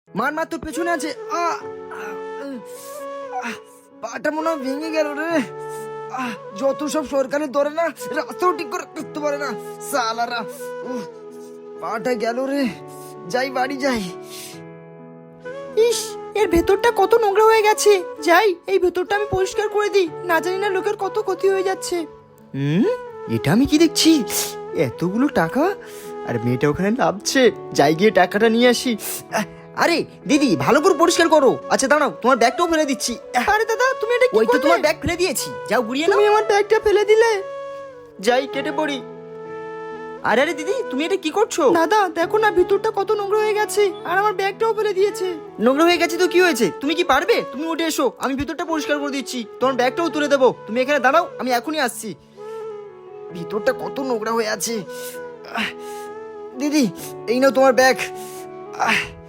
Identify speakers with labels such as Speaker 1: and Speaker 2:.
Speaker 1: মার মার তোর পেছনে আছে। পাটা মনে হয় ভেঙে গেল রে। যত সব সরকারের ধরে না, রাস্তাও ঠিক করে করতে পারে না সালারা। পাটা গেল রে, যাই বাড়ি যাই।
Speaker 2: ইস, এর ভেতরটা কত নোংরা হয়ে গেছে। যাই এই ভেতরটা আমি পরিষ্কার করে দিই, না জানি না লোকের কত ক্ষতি হয়ে যাচ্ছে।
Speaker 1: এটা আমি কি দেখছি? এতগুলো টাকা, আর মেয়েটা ওখানে নামছে। যাই গিয়ে টাকাটা নিয়ে আসি। আরে দিদি, ভালো করে পরিষ্কার করো। আচ্ছা দাঁড়াও, তোমার ব্যাগটাও ফেলে দিচ্ছি।
Speaker 2: আরে দাদা, তুমি এটা কি
Speaker 1: ওই তো
Speaker 2: করলে?
Speaker 1: তোমার ব্যাগ ফেলে দিয়েছি, যাও গুড়িয়ে নাও।
Speaker 2: তুমি আমার ব্যাগটা ফেলে দিলে।
Speaker 1: যাই কেটে পড়ি। আরে আরে দিদি, তুমি এটা কি করছো?
Speaker 2: দাদা দেখো না, ভিতরটা কত নোংরা হয়ে গেছে, আর আমার ব্যাগটাও ফেলে দিয়েছে।
Speaker 1: নোংরা হয়ে গেছে তো কি হয়েছে? তুমি কি পারবে? তুমি উঠে এসো, আমি ভিতরটা পরিষ্কার করে দিচ্ছি। তোমার ব্যাগটাও তুলে দেবো। তুমি এখানে দাঁড়াও, আমি এখনই আসছি। ভিতরটা কত নোংরা হয়ে আছে। দিদি, এই নাও তোমার ব্যাগ।